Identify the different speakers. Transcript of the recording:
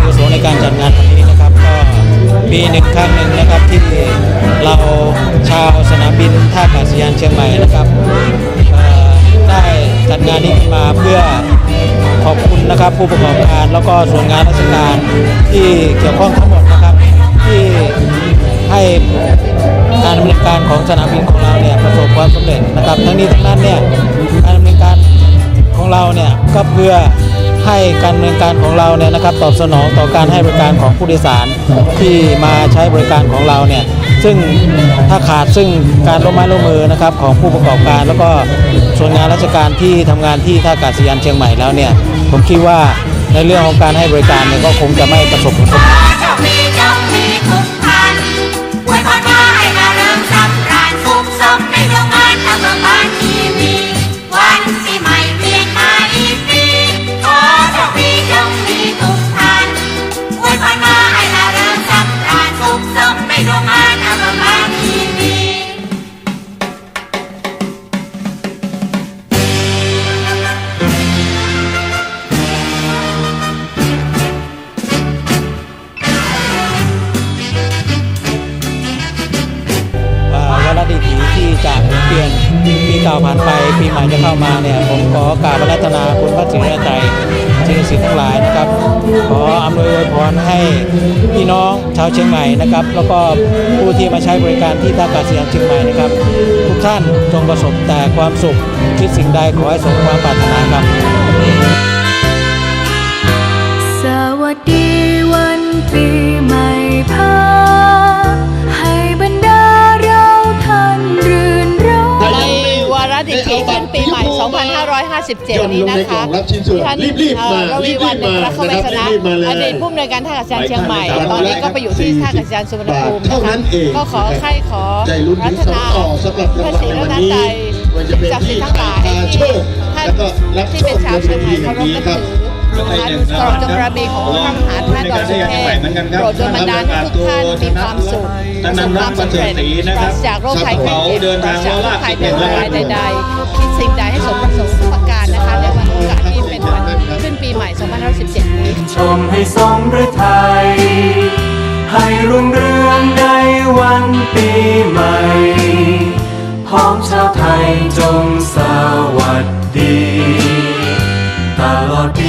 Speaker 1: วุโสในการจัดงานวันนี้นะครับก็ปีหนึ่งครั้งหนึ่งนะครับที่เราชาวสนามบินท่าอากาศยานเชียงใหม่นะครับได้จัดงานนี้ขึ้นมาเพื่อขอบคุณนะครับผู้ประกอบการแล้วก็ส่วนงานราชการที่เกี่ยวข้องทั้งหมดนะครับที่ให้การดำเนินการของสนามบินของเราเนี่ยประสบความสำเร็จนะครับทั้งนี้ทั้งนั้นเนี่ยการดำเนินการของเราเนี่ยก็เพื่อให้การดำเนินการของเราเนี่ยนะครับตอบสนองต่อการให้บริการของผู้โดยสารที่มาใช้บริการของเราเนี่ยซึ่งถ้าขาดซึ่งการร่วมไม้ร่วมมือนะครับของผู้ประกอบการแล้วก็ส่วนงานราชการที่ทำงานที่ท่าอากาศยานเชียงใหม่แล้วเนี่ยผมคิดว่าในเรื่องของการให้บริการเนี่ยก็คงจะไม่ประสบผลสำเร็จดีถีที่จะเปลี่ยนปีเก่าผ่านไปปีใหม่จะเข้ามาเนี่ยผมขอกราบอาราธนาคุณพระศรีรัตนตรัยสิ่งศักดิ์สิทธิ์ทั้งหลายนะครับขออำนวยอวยพรให้พี่น้องชาวเชียงใหม่นะครับแล้วก็ผู้ที่มาใช้บริการที่ท่าอากาศยานเชียงใหม่นะครับทุกท่านจงประสบแต่ความสุขคิดสิ่งใดขอให้สมความปรารถนาครับ
Speaker 2: สวัสดีวันปีใหม่พา
Speaker 3: ดิถีขึ้นปีใหม่ 2557 นี้นะคะท่านระวีวรรณพระเข้าไปชนะอดีตผู้อำนวยการท่าอากาศยานเชียงใหม่ตอนนี้ก็ไปอยู่ที่ท่าอากาศยานสุวรรณภูมินะคะก็ขอรัตนาพระศรีรัตนตรัยสิ่งศักดิ์สิทธิ์ทั้งหลายที่ท่านที่เป็นชาวเชียงใหม่เคารพนับถือตลอดจงบารมีของพระมหาธาตุดอยสุเทพโปรดดลบันดาลให้ทุกท่านมีความสุขประสบความสำเร็จปราศจากโรคภัยไข้เจ็บปราศจากโรคภัยเป็นรายใดๆคิดสิ่งใดให้สมประสงค์ทุกประการนะคะในวันโอกาสที่เป็นวันขึ้นปีใหม่ 2517 นี้
Speaker 4: ชมให้ทรงพระทัยให้รุ่งเรืองในวันปีใหม่พ้องชาวไทยจงสวัสดีตลอดปี